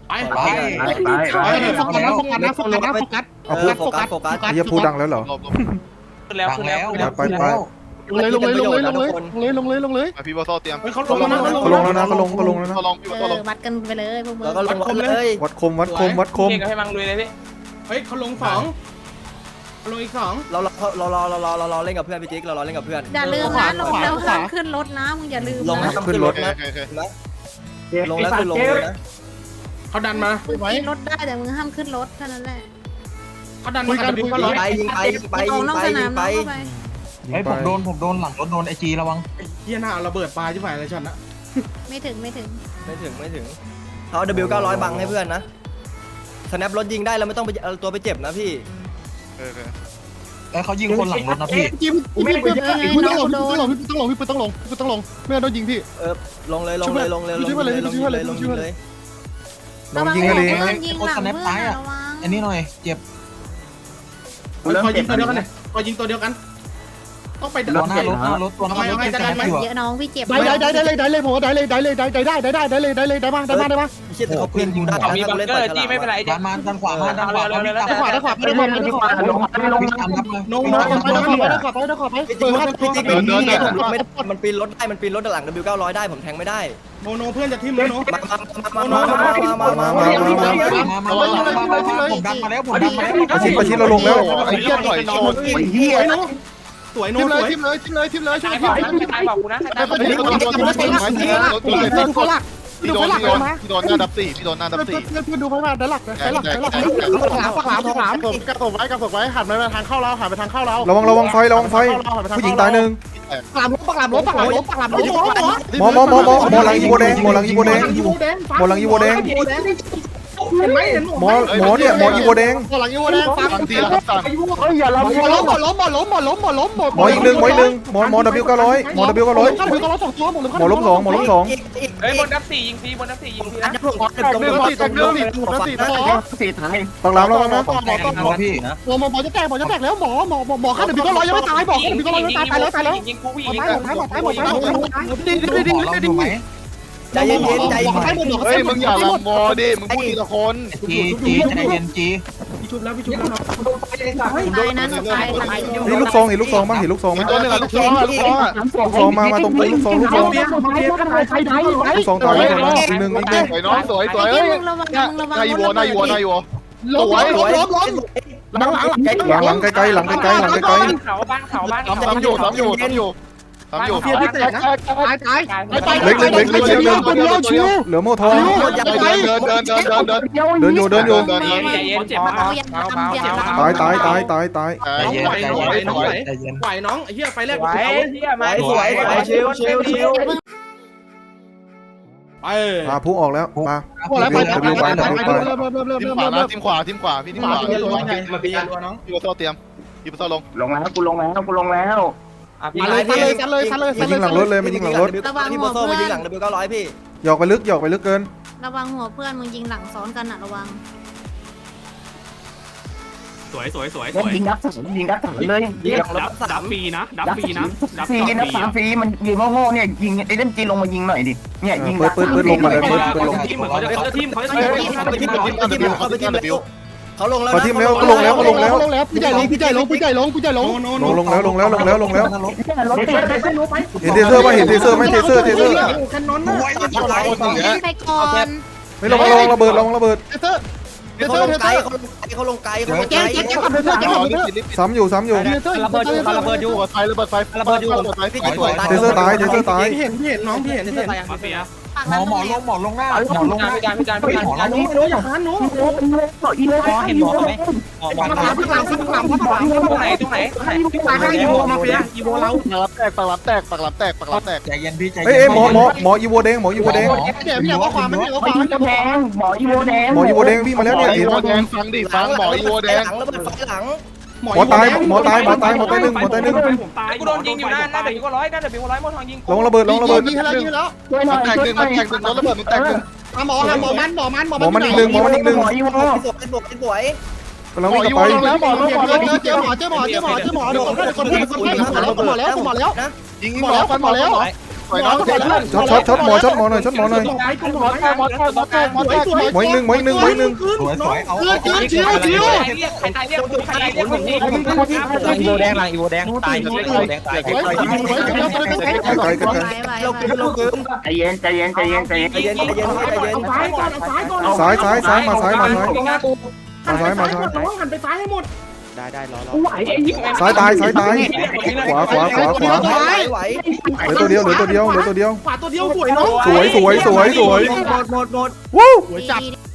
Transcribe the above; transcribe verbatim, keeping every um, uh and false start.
ไปไปไปโฟกัสโฟกัสโฟกัสโฟกัสเอาพูดโฟกัสโฟกัสไอ้เหี้ยพูดดังแล้วเหรอขึ้นแล้วขึ้นแล้วไปไปลงเลยลงเลยลงเลยลงเลยลงเลยลงเลยลงเลยพี่บอสเตรียมเขาลงแล้วเขาลงแล้วนะเขาลงเขาลงแล้วนะเขาลองพี่บอสลงวัดกันไปเลยพวกมึงแล้วก็ลงวัดเลยวัดคมวัดคมวัดคมเก่งกับให้มังลุยเลยพี่เฮ้ยเขาลงสองลงอีกสองเราเราเราเราเราเราเราเล่นกับเพื่อนพี่จิ๊กเราเราเล่นกับเพื่อนอย่าลืมนะลงแล้วห้ามขึ้นรถนะมึงอย่าลืมลงนะห้ามขึ้นรถนะโอเคโอเคลงแล้วคือลงเลยนะเขาดันมามึงขึ้นรถได้แต่มึงห้ามขึ้นรถเท่านั้นแหละเขาดันมากันดิก็ร้อยไปยิงไปยิงไปอยิอกงนอกไปสยินามงไปเข้าไปไอ้ผมโดนผมโดนหลังรถโดนไอจีระวังเฮียหน้าระเบิดปลาใช่ไหมอะไรช็อตนะไม่ถึงไม่ถึงไม่ถึงไม่ถึงเขา ดับเบิลยู เก้าร้อยบังให้เพื่อนนะสแนปรถยิงได้เราไม่ต้องไปเอาตัวไปเจ็บนะพี่โอเคไอ้เขายิงคนหลังรถนะพี่จิ้มพี่พี่พี่ต้องลงพี่ต้องลงพี่ต้องลงพี่ต้องลงพี่ต้องลงไม่งั้นโดนยิงพี่เออลงเลยลงเลยลงเลยลงเลยลงเลยลงเลยน้องยิงกันเองนะยิงหลังเพื่อนระวังอันนี้หน่อยเจ็บพอยิงตัวเดียวกันเลยพอยิงตัวเดียวกันต้องไปรถหน้ารถหน้ารถตัวหน้ารถเยอะน้องพี่เจ็บได้ได้ได้เลยได้เลยผมได้เลยได้เลยได้ได้ได้ได้ได้เลยได้เลยได้มาได้มาได้มาเชี่ยแต่เขาปืนยิงได้มีบังเกอร์จี้ไม่เป็นไรด้านมาด้านขวามาด้านขวาเร็วเร็วเร็วด้านขวาด้านขวาด้านขวาด้านขวาลงลงตามรับเลยโน้ตโน้ตไปด้านขวาไปด้านขวาไปด้านขวาไปพี่จิ๊กพี่จิ๊กเป็นนี่ไม่มันปีนรถได้มันปีนรถหลัง ดับเบิลยู เก้าร้อยได้ผมแทงไม่ได้โนโนเพื่อนจะทิ่มแล้วโนมามามามามามามามามามามามาผมดันมาแล้วผมดันมาแล้วประชิดประชิดเราลงแล้วไอ้เหี้ยต่อยโชนสวยโนสวยทิ่มเลยทิ่มเลยทิ่มเลยช่วยตายทิ่มบอกตายบอกกูนะตายพี่โดนพี่โดนพี่โดนพี่โดนพี่โดนพี่โดนหน้าดับสี่พี่โดนหน้าดับเพื่อนสี่เพื่อนเพื่อนดูไปมาด้านหลักด้านหลักด้านหลักหลามหลามหลามผมกระตบไว้กระตบไว้หันไปทางเข้าเราหันไปทางเข้าเราระวังระวังไฟระวังไฟผู้หญิงตายหนึ่งปากหลามปากหลามปากหลามปากหลามหมอหมอหมอหมอหมอหลังอีโวแดงหมอหลังอีโวแดงหมอหลังอีโวแดงเห็นไหมเห็นหมอหมอเนี่ยหมออีโวแดงหมอหลังอีโวแดงฟังฟังทีละครับสั่งเฮ้ยอย่าล้มหมอล้มหมอล้มหมอล้มหมอล้มหมอล้มหมอหมออีกหนึ่งหมออีกหนึ่งหมอหมอ W เก้าร้อยหมอ W เก้าร้อยข้ามถึงก็ล้มสองตัวหมอล้มหมอล้มสองหมอล้มสองเฮ้ยบนดับสี่ยิงฟรีบนดับสี่ยิงฟรีอันนะนี้พวกแตกเรื่องสี่แตกเรื่องสี่ถูกแล้วสี่ต่อปักหลามระวังนะหมอหมอหมอพี่หมอหมอจะแตกหมอจะแตกแล้วหมอหมอหมอข้ามถึงก็ร้อยยังไม่ตายบอกข้ามถึงก็ร้อยยังไม่ตายตายแล้วตายแล้วยิงกูผู้หหมญิดงตายหมดตายหมดตายหมดตายหมดตายดีดีดีดีดีไหมใจเย็นใจเย็นเฮ้ยมึงอย่าลำมอดิมึงพูดทีละคนจีจีใจเย็นจีพี่ชุบแล้วพี่ชุบแล้วตายนะตายตายนี่ลูกซองเห็นลูกซองบ้างเห็นลูกซองไหมตัวหนึ่งอะลูกซองอะลูกซองอะลูกซองมามาตรงกูลูกซองลูกซองลูกซองตายแล้วอีกหนึ่งอีกหนึ่งสวยน้องสวยสวยเฮ้ยมึงระวังมึงระวังนายวัวนายวัวนายวัวล้มล้มล้มล้มล้มหลังหลังหลังหลังไกลๆหลังไกลๆหลังไกลบ้านเขาบ้านเขาบ้านเขาทำอยู่ทำอยู่ทำอยู่ทำอยู่เพียร์พี่แตกนะตายตายตายๆเล็กเล็กเล็กเล็กเล็กเล็กคนเดียวชิวเหลือโม่ทองเดินเดินเดินเดินเดินเดินเดินอยู่เดินอยู่เดินใจเดินเย็นเจ็บมากเบาเบาเจ็บมากตายตายตายตายตายใจเย็นใจเย็นใจเย็นไหวน้องไอ้เหี้ยไฟแรกไหวเฮียมาสวยสวยชิวชิวชิวไปมาพุ่งออกแล้วมาพวกแล้วไป W ไป W ไปเริ่มเริ่มเริ่มเริ่มทีมเริ่มขวาเริ่นะมทีมขวาทีมขวาพี่ทีมขวามาปีรัวน้องพี่บอสเตรียมพี่บอสลงลงแล้วกูลงแล้วกูลงแล้วมาเลยกันเลยกันเลยกันเลยมายิงหลังรถเลยมายิงหลังรถพี่โบโซ่มายิงหลัง ดับเบิลยู เก้าร้อยพี่หยอกไปลึกหยอกไปลึกเกินระวังหัวเพื่อนมึงยิงหลังซ้อนกันอะระวังสวยสวยสวยสแล้ววยยิงนับสามยิงนับสามเลยยิงดับดับฟรีนะดับนับฟรีนะดับฟรีสองนับฟรีสามฟรีมันยิงโง่ๆเนี่ยยิงไอ้เล่นจีลงมายิงหน่อยดิเนี่ยยิงเปิดเปิดเปิดลงมาเลยเปิดเปิดลงทีมเหมือนเขาจะเขาจะทีมเขาจะเฮ้ทียมเขาไปทีมเขาไปทีมเขาไปทีมเขาลงแล้วพอทีมแล้วก็ลงแล้วก็ลงแล้วลงแล้วพี่ใหญ่ลงพี่ใหญ่ลงพี่ใหญ่ลงพี่ใหญ่ลงลงลงแล้วลงแล้วลงแล้วลงแล้วเนี่ยรถติดเห็นเทเซอร์ป่ะเห็นเทเซอร์ไหมเทเซอร์เทเซอร์กันนอนนะไปก่อนไม่ลงลงระเบิดลงระเบิดเทเซอร์เทเซเขาอลร์งเทไกเซลอร์เขาลงไกลเขาลงไกลแจ๊คแจ๊คแจ๊คขับเทเซอร์แจ๊คขับเทเซอร์ซ้ำอยู่ซ้ำอยู่เทเซอร์ระเบิดอยู่ระเบิดอยู่ระเบิดไฟระเบิดไฟระเบิดอยู่ระเบิดไฟพี่สวยเทเซอร์ตายเทเซอร์ตายพี่เห็นพี่เห็นน้องพี่เห็นพี่เห็นมาเฟียหมอหมอลงหมอลงหน้าหมอลงหน้าพิการพิการพิการหมอลงน้องน้องอย่าค้านน้องอีโลเห็นหมอไหมออกมาตรงไหนตรงไหนตรงไหนพี่ตายให้อีโวมาเฟียอีโวเราปากรับแตกปากรับแตกปากรับแตกปากรับแตกใจเย็นพี่ใจเอ้เย็ยหมอหมอหมออีโวแดงหมออีโวแดงเดี๋ยวพี่อยากว่าความไม่อยากว่าคไม่วามยิงกระแพงหมออีโวแดงหมออีโวแดงวิ่งมาแล้วเนี่ยอีเห็นโวป่ะแดงฟังดิฟังหมออีโวแดงหลังระเบิดไฟหลังหมอตายหมอตายหมอตายหมอตายหนึ่งหมอตายหนึ่งผมตายกูโดนยิงอยู่หน้าหน้าเดี๋ยวกูร้อยหน้าเดี๋ยวกูร้อยมอทองยิงลงระเบิดลงระเบิดยิงให้แล้วยิงแล้วช่วยหน่มัอน ยแตกช่หวยนึ่งหน่มัอน ยแตกหนึ่งรถระเบิดมันแตกหนึ่งหมอหมอมันหมอมันหมอมันอีกหนึ่งหมอมันอีกหนึ่งหมออีโวสวยสวยสวยกำลังวิ่งกลับไปแล้วหมอแล้วหมอแล้วเจอหมอเจอหมอเจอหมอเจอหมอเจอหมอเดี๋ยวคนคนคนคนหมอแล้วหมอแล้วหมอแล้วยิงหมอฟันหมอแล้วหสวยน้องช็อตช็อตช็อตหมอช็อตหมอหน่อยช็อตหมอหน่อยหมอแตกหมอแตกหมอแตกหมอแตกหมออีกหนึ่งหมออีกหนึ่งหมออีกหนึ่งสวยสวยเอาเลือดเลือดชิวชิวใครใครเรียกใครเรียกคนนี้อีโวแดงหลังอีโวแดงตายอีโวแดงตายไว้ไว้ไว้ไกลไกลไกลไหวไหวเราไหวคืนเราคืนใจเย็นใจเย็นใจเย็นใจเย็นใจเย็นใจเย็นใจเย็นซ้ายก่อนซ้ายก่อนซ้ายซ้ายซ้ายมาซ้ายมาซ้ายมาซ้ายมาซ้ายต้องหันไปซ้ายให้หมดได้ได้รอรอซ้ายตายซ้ายตายขวาขวาขวาขวาไหวไหวเหลือตัวเดียวเหลือตัวเดียวเหลือตัวเดียวขวาตัวเดียวสวยน้องสวยสวยสวยสวยหมดหมดหมดวู้สวยจัดดี